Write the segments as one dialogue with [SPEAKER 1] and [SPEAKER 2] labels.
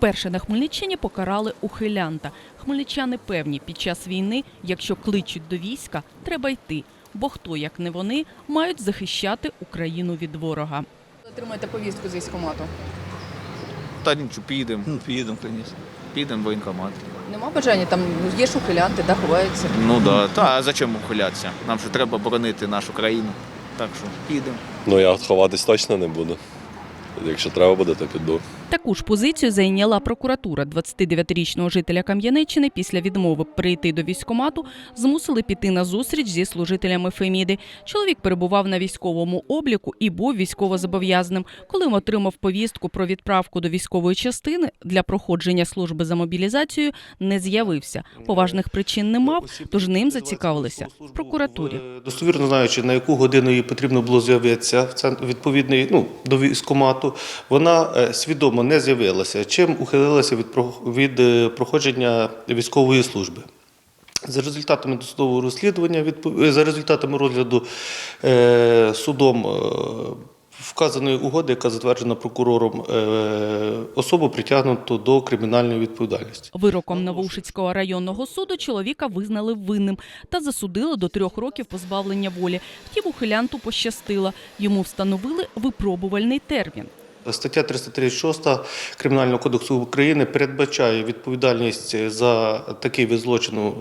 [SPEAKER 1] Вперше на Хмельниччині покарали ухилянта. Хмельничани певні, під час війни, якщо кличуть до війська, треба йти. Бо хто, як не вони, мають захищати Україну від ворога.
[SPEAKER 2] Отримаєте повістку з військкомату?
[SPEAKER 3] Та нічого, підемо.
[SPEAKER 4] Підемо, звісно.
[SPEAKER 3] Підемо в воєнкомат.
[SPEAKER 2] Нема бажання? Там є ж ухилянти, да, ховаються.
[SPEAKER 3] Ну да. Та а за чим ухилятися? Нам же треба боронити нашу країну. Так що підемо.
[SPEAKER 5] Ну, я ховатись точно не буду. Якщо треба буде, то піду.
[SPEAKER 1] Таку ж позицію зайняла прокуратура. 29-річного жителя Кам'янеччини після відмови прийти до військкомату змусили піти на зустріч зі служителями Феміди. Чоловік перебував на військовому обліку і був військовозобов'язаним. Коли отримав повістку про відправку до військової частини для проходження служби за мобілізацією, не з'явився. Поважних причин не мав, тож ним зацікавилися в прокуратурі.
[SPEAKER 4] Достовірно знаючи, на яку годину їй потрібно було з'явитися відповідний, до військкомату, вона свідомо не з'явилася, чим ухилилася від проходження військової служби. За результатами досудового розслідування, за результатами розгляду судом вказаної угоди, яка затверджена прокурором, особу притягнуто до кримінальної відповідальності.
[SPEAKER 1] Вироком Новоушицького районного суду чоловіка визнали винним та засудили до 3 років позбавлення волі. Втім, ухилянту пощастило. Йому встановили випробувальний термін.
[SPEAKER 4] Стаття 336 Кримінального кодексу України передбачає відповідальність за такий вид злочину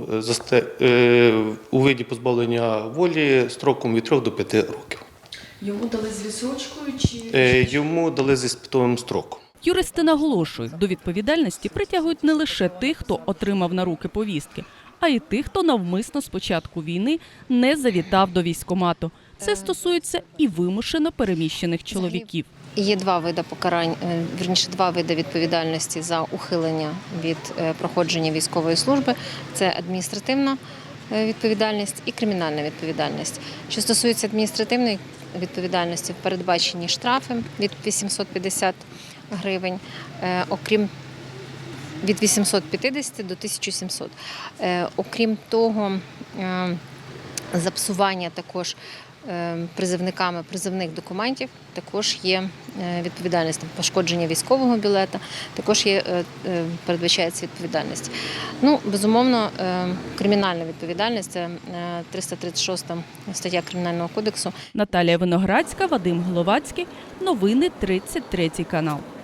[SPEAKER 4] у виді позбавлення волі строком від 3 до 5 років.
[SPEAKER 2] Йому дали з відсрочкою чи?
[SPEAKER 4] Йому дали з іспитовим строком.
[SPEAKER 1] Юристи наголошують, до відповідальності притягують не лише тих, хто отримав на руки повістки, а й тих, хто навмисно з початку війни не завітав до військкомату. Це стосується і вимушено переміщених чоловіків.
[SPEAKER 6] Є два види покарань, два види відповідальності за ухилення від проходження військової служби. Це адміністративна відповідальність і кримінальна відповідальність. Що стосується адміністративної відповідальності, передбачені штрафи від 850 гривень, окрім від 850 до 1700. Окрім того, за псування також призовниками призовних документів також є відповідальність, пошкодження військового білета, також передбачається відповідальність. Безумовно, кримінальна відповідальність – це 336 стаття Кримінального кодексу.
[SPEAKER 1] Наталія Виноградська, Вадим Головацький. Новини 33 канал.